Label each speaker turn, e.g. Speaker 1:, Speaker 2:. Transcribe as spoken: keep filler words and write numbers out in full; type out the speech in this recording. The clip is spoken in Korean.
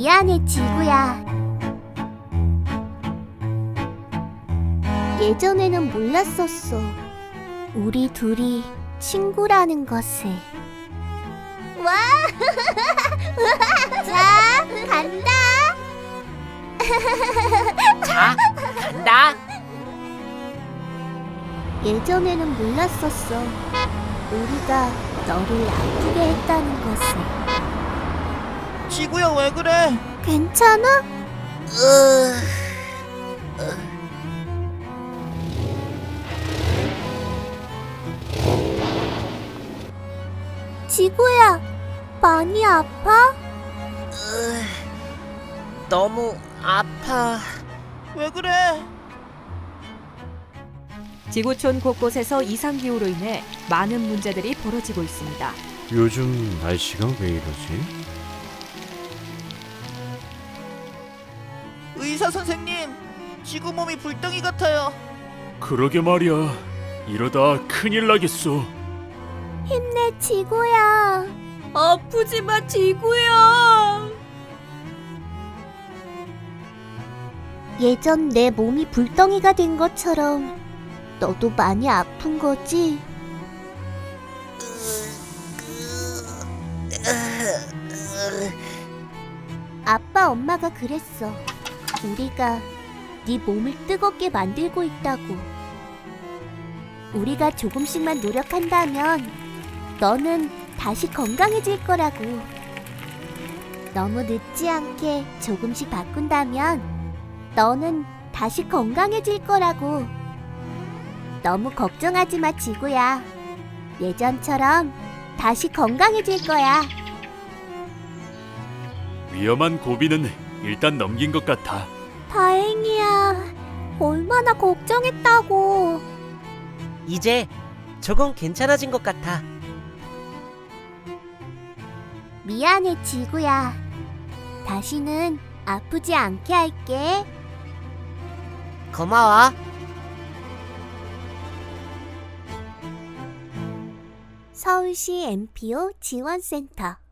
Speaker 1: 미안해, 지구야. 예전에는 몰랐었어. 우리 둘이 친구라는 것을. 와! 자, 간다!
Speaker 2: 자, 간다.
Speaker 1: 예전에는 몰랐었어. 우리가 너를 아프게 했다는 것을.
Speaker 3: 지구야, 왜 그래?
Speaker 1: 괜찮아? 지구야, 많이 아파?
Speaker 2: 너무 아파.
Speaker 3: 왜 그래?
Speaker 4: 지구촌 곳곳에서 이상기후로 인해 많은 문제들이 벌어지고 있습니다.
Speaker 5: 요즘 날씨가 왜 이러지?
Speaker 3: 의사 선생님, 지구 몸이 불덩이 같아요.
Speaker 5: 그러게 말이야. 이러다 큰일 나겠어.
Speaker 1: 힘내, 지구야.
Speaker 4: 아프지 마, 지구야.
Speaker 1: 예전 내 몸이 불덩이가 된 것처럼 너도 많이 아픈 거지? 아빠, 엄마가 그랬어. 우리가 네 몸을 뜨겁게 만들고 있다고. 우리가 조금씩만 노력한다면 너는 다시 건강해질 거라고. 너무 늦지 않게 조금씩 바꾼다면 너는 다시 건강해질 거라고. 너무 걱정하지 마, 지구야. 예전처럼 다시 건강해질 거야.
Speaker 5: 위험한 고비는 일단 넘긴 것 같아.
Speaker 1: 다행이야. 얼마나 걱정했다고.
Speaker 2: 이제 조금 괜찮아진 것 같아.
Speaker 1: 미안해, 지구야. 다시는 아프지 않게 할게.
Speaker 2: 고마워.
Speaker 1: 서울시 엠피오 지원센터.